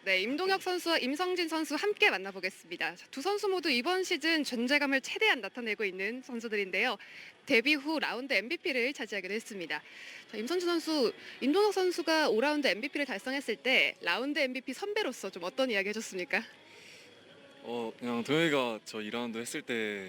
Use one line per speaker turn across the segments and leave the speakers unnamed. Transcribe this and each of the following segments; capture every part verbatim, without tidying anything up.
네, 임동혁 선수와 임성진 선수 함께 만나보겠습니다. 자, 두 선수 모두 이번 시즌 존재감을 최대한 나타내고 있는 선수들인데요. 데뷔 후 라운드 엠브이피를 차지하기도 했습니다. 자, 임성진 선수, 임동혁 선수가 오 라운드 엠브이피를 달성했을 때 라운드 엠브이피 선배로서 좀 어떤 이야기 해줬습니까?
어 그냥 동혁이가 저 이 라운드 했을 때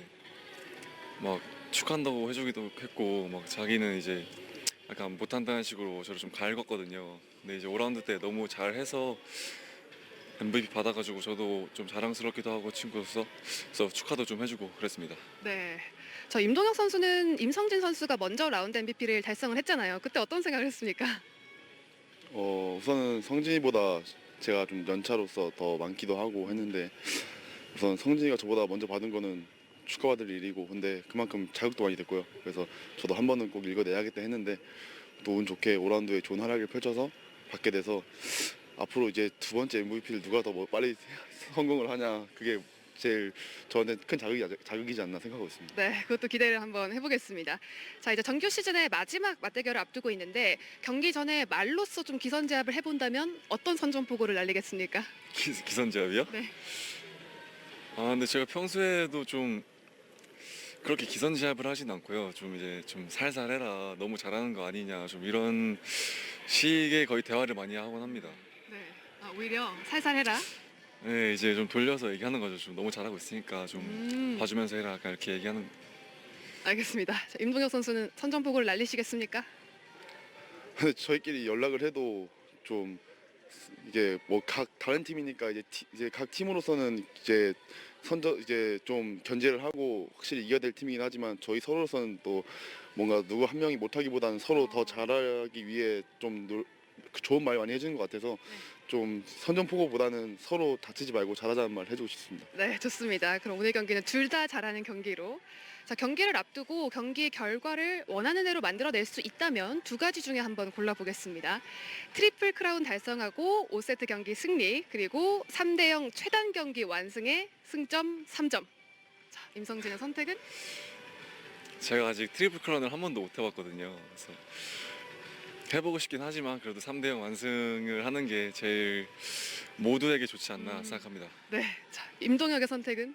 막 축하한다고 해주기도 했고 막 자기는 이제 약간 못한다는 식으로 저를 좀 갈궜거든요. 근데 이제 오 라운드 때 너무 잘해서 엠브이피 받아가지고 저도 좀 자랑스럽기도 하고 친구로서 그래서 축하도 좀 해주고 그랬습니다.
네. 저 임동혁 선수는 임성진 선수가 먼저 라운드 엠브이피를 달성을 했잖아요. 그때 어떤 생각을 했습니까?
어, 우선은 성진이보다 제가 좀 연차로서 더 많기도 하고 했는데 우선 성진이가 저보다 먼저 받은 거는 축하받을 일이고 근데 그만큼 자극도 많이 됐고요. 그래서 저도 한 번은 꼭 읽어내야겠다 했는데 또 운 좋게 오 라운드에 좋은 활약을 펼쳐서 받게 돼서 앞으로 이제 두 번째 엠브이피를 누가 더 뭐 빨리 성공을 하냐 그게 제일 저한테 큰 자극이, 자극이지 않나 생각하고 있습니다.
네, 그것도 기대를 한번 해보겠습니다. 자, 이제 정규 시즌의 마지막 맞대결을 앞두고 있는데 경기 전에 말로써 좀 기선제압을 해본다면 어떤 선전포고를 날리겠습니까?
기, 기선제압이요?
네.
아 근데 제가 평소에도 좀 그렇게 기선제압을 하진 않고요. 좀 이제 좀 살살 해라. 너무 잘하는 거 아니냐. 좀 이런 식의 거의 대화를 많이 하곤 합니다.
네. 아, 오히려 살살해라.
네, 이제 좀 돌려서 얘기하는 거죠. 좀 너무 잘하고 있으니까 좀
음,
봐주면서 해라. 약간 이렇게 얘기하는.
알겠습니다. 자, 임동혁 선수는 선전포고를 날리시겠습니까?
근데 저희끼리 연락을 해도 좀 이게 뭐 각 다른 팀이니까 이제 티, 이제 각 팀으로서는 이제 선저 이제 좀 견제를 하고 확실히 이겨야 될 팀이긴 하지만 저희 서로로서는 또 뭔가 누구 한 명이 못하기보다는 서로 더 잘하기 위해 좀 노, 그 좋은 말 많이 해주는 것 같아서 좀 선전포고보다는 서로 다치지 말고 잘하자는 말 해주고 싶습니다.
네, 좋습니다. 그럼 오늘 경기는 둘 다 잘하는 경기로. 자, 경기를 앞두고 경기 결과를 원하는 대로 만들어낼 수 있다면 두 가지 중에 한번 골라보겠습니다. 트리플 크라운 달성하고 오 세트 경기 승리, 그리고 삼 대 영 최단 경기 완승의 승점 삼 점. 자, 임성진의 선택은?
제가 아직 트리플 크라운을 한 번도 못 해봤거든요. 그래서 해보고 싶긴 하지만 그래도 삼 대 영 완승을 하는 게 제일 모두에게 좋지 않나
음.
생각합니다.
네, 자, 임동혁의 선택은?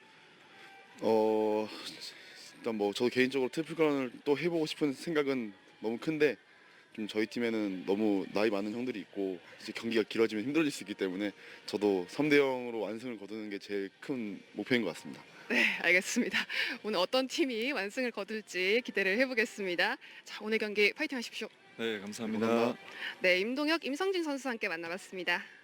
어 일단 뭐 저도 개인적으로 트리플 크라운을 또 해보고 싶은 생각은 너무 큰데 좀 저희 팀에는 너무 나이 많은 형들이 있고 이제 경기가 길어지면 힘들어질 수 있기 때문에 저도 삼 대 영으로 완승을 거두는 게 제일 큰 목표인 것 같습니다.
네, 알겠습니다. 오늘 어떤 팀이 완승을 거둘지 기대를 해보겠습니다. 자, 오늘 경기 파이팅 하십시오.
네, 감사합니다.
감사합니다.
네, 임동혁, 임성진 선수 함께 만나봤습니다.